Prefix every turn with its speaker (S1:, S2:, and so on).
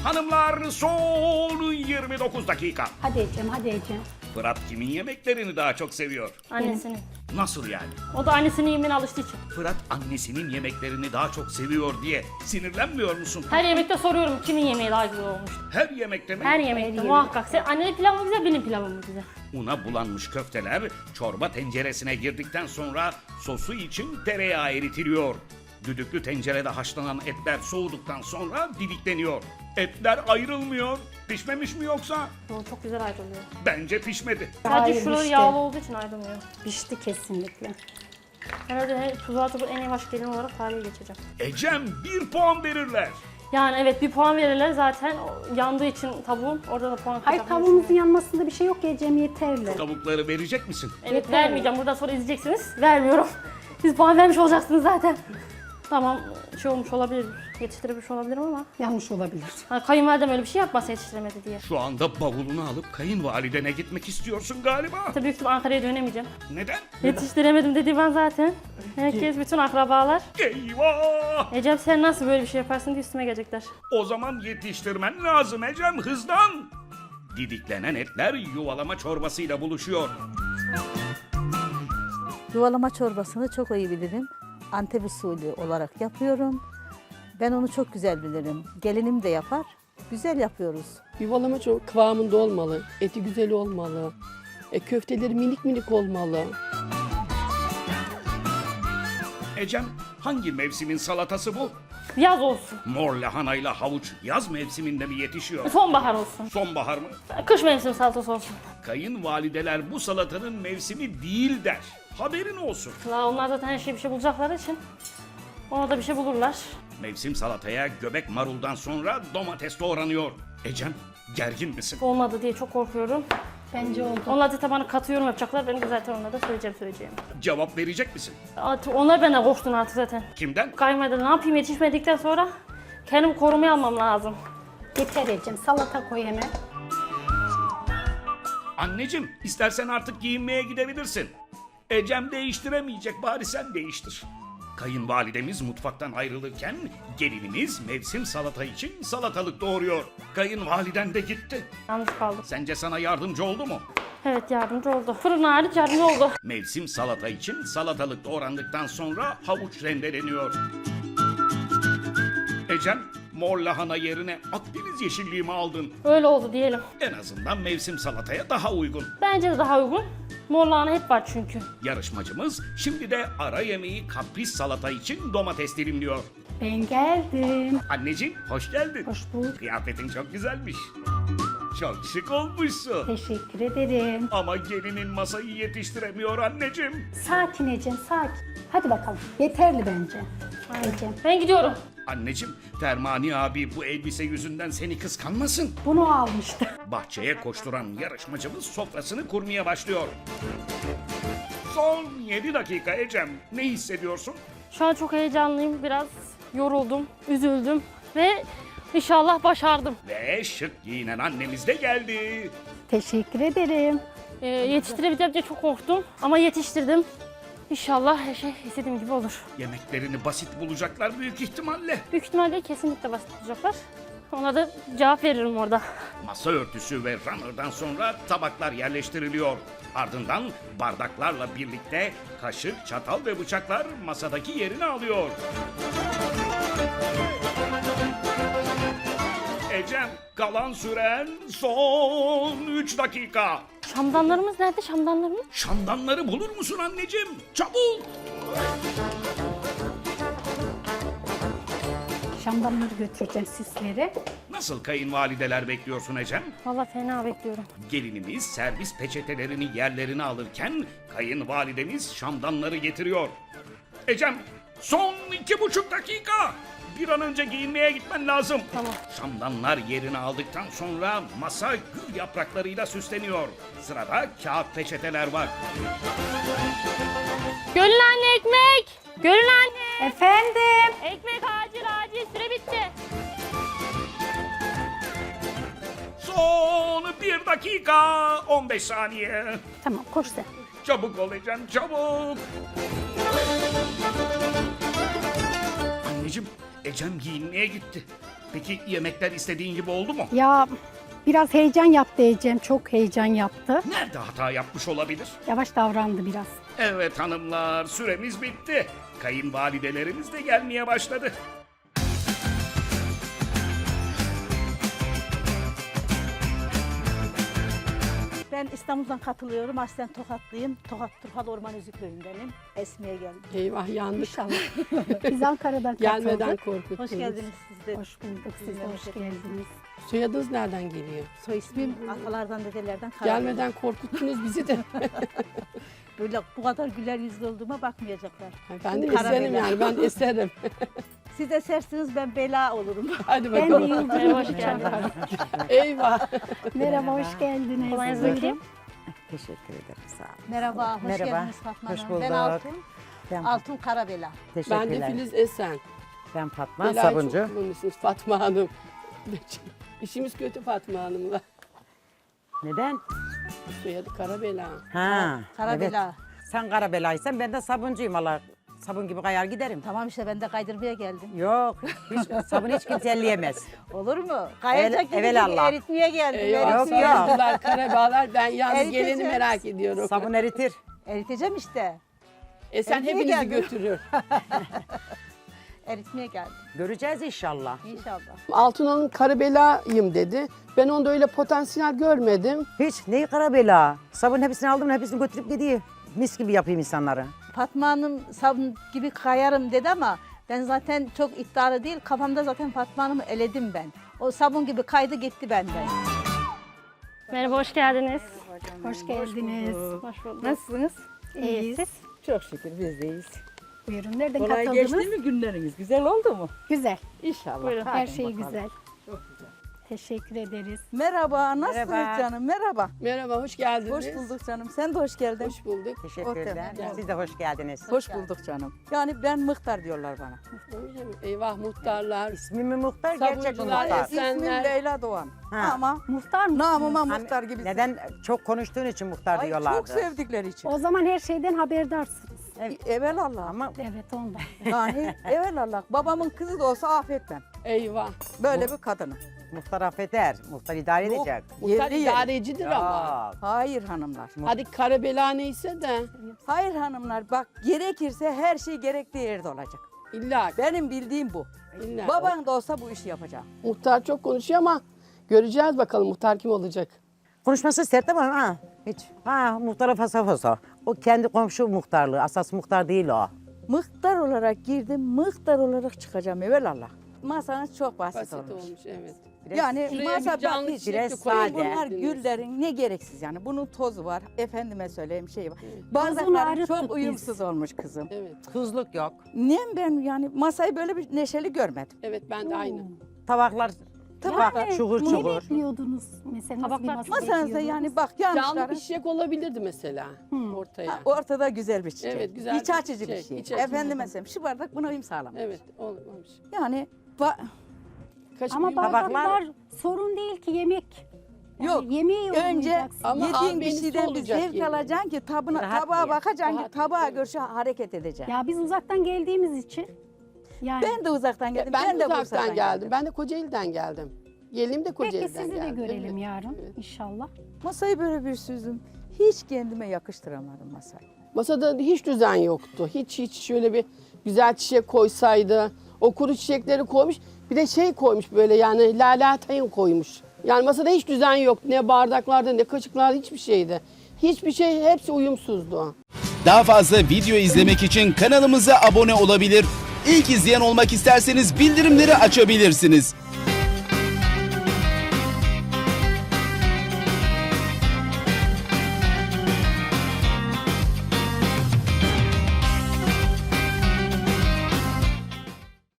S1: Hanımlar son 29 dakika.
S2: Hadi Ecem, hadi Ecem.
S1: Fırat kimin yemeklerini daha çok seviyor?
S3: Annesinin.
S1: Nasıl yani?
S3: O da annesinin yemeğine alıştığı için.
S1: Fırat annesinin yemeklerini daha çok seviyor diye sinirlenmiyor musun?
S3: Her yemekte soruyorum kimin yemeği daha güzel olmuş.
S1: Her yemekte mi?
S3: Her yemekte muhakkak. Sen annenin pilavı mı güzel, benim pilavım mı güzel?
S1: Una bulanmış köfteler çorba tenceresine girdikten sonra sosu için tereyağı eritiliyor. Düdüklü tencerede haşlanan etler soğuduktan sonra didikleniyor. Etler ayrılmıyor. Pişmemiş mi yoksa?
S3: O çok güzel ayrılıyor.
S1: Bence pişmedi.
S3: Sadece
S2: Hayır,
S3: şuraları
S2: işte.
S3: yağlı olduğu için ayrılmıyor.
S2: Pişti kesinlikle.
S3: Herhalde tuzağa çok en yavaş gelin olarak tarihe geçeceğim.
S1: Ecem 1 puan verirler.
S3: Yani evet bir puan verirler zaten yandığı için tavuğun orada da puan
S2: Hayır,
S3: kıracaklar.
S2: tavuğumuzun yanmasında bir şey yok Ecem, yeterli.
S1: Tavukları verecek misin?
S3: Evet
S2: Yeter.
S3: vermeyeceğim. Buradan sonra izleyeceksiniz. Vermiyorum. Siz puan vermiş olacaksınız zaten. Tamam şey olmuş olabilir. Yetiştirebilmiş olabilirim ama.
S2: Yanlış olabilir.
S3: Hani kayınvalidem öyle bir şey yapmasa yetiştiremedi diye.
S1: Şu anda bavulunu alıp kayınvalidene gitmek istiyorsun galiba.
S3: Tabii büyük ihtimal Ankara'ya dönemeyeceğim.
S1: Neden?
S3: Yetiştiremedim dedi ben zaten. Herkes, bütün akrabalar.
S1: Eyvah!
S3: Ecem sen nasıl böyle bir şey yaparsın diye üstüme gelecekler.
S1: O zaman yetiştirmen lazım Ecem, hızlan. Didiklenen etler yuvalama çorbasıyla buluşuyor.
S4: Yuvalama çorbasını çok iyi bilirim. Antep usulü olarak yapıyorum. Ben onu çok güzel bilirim. Gelinim de yapar. Güzel yapıyoruz.
S5: Yuvalama çok kıvamında olmalı. Eti güzel olmalı. Köfteleri minik minik olmalı.
S1: Ecem, hangi mevsimin salatası bu?
S3: Yaz olsun.
S1: Mor lahanayla havuç yaz mevsiminde mi yetişiyor?
S3: Sonbahar olsun.
S1: Sonbahar mı?
S3: Kış mevsim salatası olsun.
S1: Kayınvalideler bu salatanın mevsimi değil der. Haberin olsun.
S3: La onlar zaten her şeyi bir şey bulacakları için. Ona da bir şey bulurlar.
S1: Mevsim salataya göbek maruldan sonra domates doğranıyor. Ecem, gergin misin?
S3: Olmadı diye çok korkuyorum.
S2: Bence oldu.
S3: Onlar zaten bana katı yorum yapacaklar. Ben de zaten onlara da söyleyeceğim.
S1: Cevap verecek misin?
S3: Artık onlar benden korktun artık zaten.
S1: Kimden?
S3: Kayınvalide ne yapayım yetişmedikten sonra kendimi korumaya almam lazım.
S2: Yeter Ecem, salata koy hemen.
S1: Anneciğim, istersen artık giyinmeye gidebilirsin. Ecem değiştiremeyecek, bari sen değiştir. Kayınvalidemiz mutfaktan ayrılırken gelinimiz mevsim salata için salatalık doğuruyor. Kayınvaliden de gitti.
S3: Yalnız kaldım.
S1: Sence sana yardımcı oldu mu?
S3: Evet yardımcı oldu. Fırın hariç yardımcı oldu.
S1: Mevsim salata için salatalık doğrandıktan sonra havuç rendeleniyor. Ecem, mor lahana yerine Akdeniz yeşilliği mi aldın?
S3: Öyle oldu diyelim.
S1: En azından mevsim salataya daha uygun.
S3: Bence de daha uygun. Mor lahana hep var çünkü.
S1: Yarışmacımız şimdi de ara yemeği kapris salata için domates dilimliyor.
S2: Ben geldim.
S1: Anneciğim, hoş geldin.
S2: Hoş bulduk.
S1: Kıyafetin çok güzelmiş. Çok şık olmuşsun.
S2: Teşekkür ederim.
S1: Ama gelinin masayı yetiştiremiyor anneciğim.
S2: Sakin Ecem, sakin. Hadi bakalım. Yeterli bence. Ecem.
S3: Ben gidiyorum.
S1: Anneciğim, Fermani abi bu elbise yüzünden seni kıskanmasın.
S2: Bunu almıştı.
S1: Bahçeye koşturan yarışmacımız sofrasını kurmaya başlıyor. Son 7 dakika Ecem. Ne hissediyorsun?
S3: Şu an çok heyecanlıyım. Biraz yoruldum, üzüldüm ve inşallah başardım.
S1: Ve şık giyinen annemiz de geldi.
S2: Teşekkür ederim.
S3: Yetiştirebileceğim diye çok korktum ama yetiştirdim. İnşallah her şey istediğim gibi olur.
S1: Yemeklerini basit bulacaklar büyük ihtimalle.
S3: Büyük ihtimalle kesinlikle basit olacaklar. Ona da cevap veririm orada.
S1: Masa örtüsü ve runner'dan sonra tabaklar yerleştiriliyor. Ardından bardaklarla birlikte kaşık, çatal ve bıçaklar masadaki yerini alıyor. Ecem, kalan süren son 3 dakika.
S3: Şamdanlarımız nerede? Şamdanlarımız?
S1: Şamdanları bulur musun anneciğim? Çabuk!
S2: Şamdanları götüreceğim sizlere.
S1: Nasıl kayınvalideler bekliyorsun Ecem?
S3: Vallahi fena bekliyorum.
S1: Gelinimiz servis peçetelerini yerlerine alırken kayınvalidemiz şamdanları getiriyor. Ecem, son 2,5 dakika. Bir an önce giyinmeye gitmen lazım.
S3: Tamam.
S1: Şamdanlar yerini aldıktan sonra masa gül yapraklarıyla süsleniyor. Sırada kağıt peçeteler var.
S3: Gönül anne ekmek! Gönül anne!
S2: Efendim.
S3: Ekmek acil süre bitti.
S1: Son 1 dakika 15 saniye.
S2: Tamam, koş sen.
S1: Çabuk ol Ecem, çabuk. Anneciğim, Ecem giyinmeye gitti. Peki yemekler istediğin gibi oldu mu?
S2: Ya biraz heyecan yaptı Ecem. Çok heyecan yaptı.
S1: Nerede hata yapmış olabilir?
S2: Yavaş davrandı biraz.
S1: Evet hanımlar, süremiz bitti. Kayınvalidelerimiz de gelmeye başladı.
S4: Ben İstanbul'dan katılıyorum. Aslen Tokatlıyım. Tokat Turhal Orman Üzükköy'ündenim. Esmi'ye geldim.
S5: Eyvah yandık.
S2: İnşallah. Biz Ankara'dan
S5: Gelmeden
S2: katıldık.
S5: korkuttunuz.
S4: Hoş geldiniz siz de.
S2: Hoş bulduk. Siz de hoş geldiniz.
S5: Soyadınız nereden geliyor?
S4: Soy ismim atalardan dedelerden Karabela.
S5: Gelmeden korkuttunuz bizi de.
S4: Böyle bu kadar güler yüzlü olduğuma bakmayacaklar.
S5: Ben de
S4: Karabela.
S5: eserim yani, ben eserim.
S4: Siz esersiniz ben bela olurum.
S5: Hadi
S2: Ben de
S5: bakalım.
S2: Yıldırım.
S3: Hoş geldin.
S5: Eyvah.
S2: Merhaba, hoş geldiniz.
S3: Kolay
S2: Buyurun.
S3: gelsin.
S6: Teşekkür ederim. Sağ olun.
S4: Merhaba, hoş
S6: Merhaba,
S4: geldiniz Fatma
S6: hoş
S4: Hanım.
S6: bulduk.
S4: Ben Altun.
S6: Ben,
S4: Altun Karabela.
S5: Ben
S6: teşekkürler.
S5: de Filiz Esen.
S6: Ben Fatma
S5: Belayı
S6: Sabuncu.
S5: çok kullanıyorsunuz Fatma Hanım. İşimiz kötü Fatma Hanım'la.
S6: Neden?
S5: Soyadı Karabela.
S6: Ha,
S4: Karabela.
S6: evet. Sen Karabelaysan ben de sabuncuyum Allah. Sabun gibi kayar giderim.
S4: Tamam işte ben de kaydırmaya geldim.
S6: Yok, sabun hiç kimse elleyemez.
S4: Olur mu? Kayacak gibi
S6: evelallah.
S4: eritmeye geldim.
S5: Eyvah,
S6: Yok,
S5: sarıldılar Karabelar. Ben yalnız
S4: Eriteceğiz.
S5: geleni merak ediyorum.
S6: Sabun eritir.
S4: Eriteceğim işte.
S5: Sen
S4: eritmeye
S5: hepinizi
S4: geldim.
S5: götürür.
S4: Eritmeye geldim.
S6: Göreceğiz inşallah.
S4: İnşallah.
S5: Altun Hanım Karabela'yım dedi. Ben onda öyle potansiyel görmedim.
S6: Hiç neyi Karabela? Sabun hepsini aldım, hepsini götürüp gidiyor. Mis gibi yapayım insanları.
S4: Fatma Hanım sabun gibi kayarım dedi ama ben zaten çok iddialı değil. Kafamda zaten Fatma Hanım'ı eledim ben. O sabun gibi kaydı gitti benden.
S3: Merhaba, hoş geldiniz.
S2: Hoş geldiniz.
S3: Hoş bulduk.
S7: Nasılsınız?
S2: İyiyiz.
S7: Çok şükür biz deyiz.
S2: Buyurun. Nereden
S7: Kolay
S2: katıldınız?
S7: geçti mi günleriniz? Güzel oldu mu?
S2: Güzel.
S7: İnşallah.
S3: Buyurun.
S2: Her
S7: Hadi
S2: şey
S7: bakalım.
S2: güzel. Teşekkür ederiz.
S7: Merhaba, nasılsınız
S6: Merhaba.
S7: canım? Merhaba.
S5: Merhaba, hoş geldiniz.
S7: Hoş bulduk canım. Sen de hoş geldin.
S5: Hoş bulduk.
S6: Teşekkürler.
S7: Otur.
S6: Siz de hoş geldiniz.
S7: Hoş bulduk canım. Yani ben Mıhtar diyorlar bana.
S5: Öyle mi? Eyvah muhtarlar.
S6: İsmimi Muhtar, gerçek
S5: Sabuncular,
S6: Muhtar.
S5: Esenler.
S7: İsmim Leyla Doğan.
S6: Ha.
S7: Ama
S2: Muhtar mı?
S7: namıma
S6: Hani
S7: Muhtar gibisin.
S6: Neden? Çok konuştuğun için Muhtar
S7: Ay,
S6: diyorlardı.
S7: çok sevdikleri için.
S2: O zaman her şeyden haberdarsınız.
S7: Evelallah.
S6: Ama
S2: Evet ondan.
S7: Yani evelallah. Babamın kızı da olsa affetmem.
S5: Eyvah.
S7: Böyle bir kadını.
S6: Muhtar affeder. Muhtar idare
S7: Yok.
S6: edecek.
S5: Muhtar
S7: Yerli
S5: idarecidir ama.
S6: Ya.
S7: Hayır hanımlar.
S5: Hadi Karabela neyse de
S7: Hayır hanımlar bak gerekirse her şey gerektiği yerde olacak.
S5: illa.
S7: Benim bildiğim bu.
S5: illa.
S7: Baban da olsa bu işi yapacak.
S5: Muhtar çok konuşuyor ama göreceğiz bakalım muhtar kim olacak.
S6: Konuşması sert ama ha hiç. Ha muhtara fasa fasa. O kendi komşu muhtarlığı. Asas muhtar değil o.
S7: Mıhtar olarak girdim, mıhtar olarak çıkacağım evelallah. Masanız çok basit,
S5: Basit
S7: olmuş.
S5: olmuş evet.
S6: Biraz
S7: Yani
S5: Şuraya
S7: masa
S5: bir canlı
S7: bak hiç.
S5: çiçek de
S6: biraz
S5: koyabilirdiniz.
S6: sade.
S7: Bunlar güllerin ne gereksiz yani. Bunun tozu var. Efendime söyleyeyim şey var.
S2: Tozunu
S7: Bardaklar
S2: arıttık
S7: çok
S2: biz.
S7: uyumsuz olmuş kızım.
S5: Evet.
S6: Tuzluk yok.
S7: Niye ben yani masayı böyle bir neşeli görmedim.
S5: Evet ben de aynı.
S6: Tabaklar tabak çukur
S2: Ne
S6: çukur.
S2: bekliyordunuz mesela? Nasıl bir
S3: Tabaklar-
S2: masa
S7: Masanızda
S2: bekliyordunuz?
S7: yani bak
S5: Canlı
S7: yanlışları.
S5: bir çiçek olabilirdi mesela ortaya.
S7: Ortada güzel bir çiçek.
S5: Evet, güzel
S7: İç
S5: bir
S7: açıcı bir
S5: çiçek,
S7: şey.
S5: iç açıcı.
S7: Efendime söyleyeyim şu bardak buna uyum sağlamış.
S5: Evet olmamış.
S7: Yani
S5: Kaç
S2: Ama
S5: büyük-
S2: bardaklar sorun değil ki yemek. Yani
S7: Yok,
S2: yemeği
S7: önce
S2: yorumlayacaksın.
S5: Ama
S7: yediğin bir
S5: albenisi
S7: şeyden bir
S5: olacak
S7: zevk
S5: yani.
S7: alacaksın ki
S6: Rahat
S7: tabağa
S6: ye.
S7: bakacaksın
S5: Rahat
S7: ki tabağa
S5: ye,
S7: göre hareket edeceksin.
S2: Ya biz uzaktan geldiğimiz için. Yani
S7: Ben de uzaktan geldim.
S5: Ben de
S7: Bursa'dan
S5: uzaktan geldim. Ben de Kocaeli'den geldim. Gelim de
S2: peki
S5: Kocaeli'den
S2: sizi de
S5: geldim.
S2: görelim
S5: Evet.
S2: yarın
S5: Evet.
S2: inşallah.
S7: Masayı böyle bir süzdüm. Hiç kendime yakıştıramadım masayı.
S5: Masada hiç düzen yoktu. Hiç şöyle bir güzel çiçek koysaydı. O kuru çiçekleri koymuş. Bir de şey koymuş böyle yani lalatayın koymuş. Yani masada hiç düzen yok. Ne bardaklarda ne kaşıklarda hiçbir şeydi. Hiçbir şey hepsi uyumsuzdu.
S8: Daha fazla video izlemek için kanalımıza abone olabilir. İlk izleyen olmak isterseniz bildirimleri açabilirsiniz.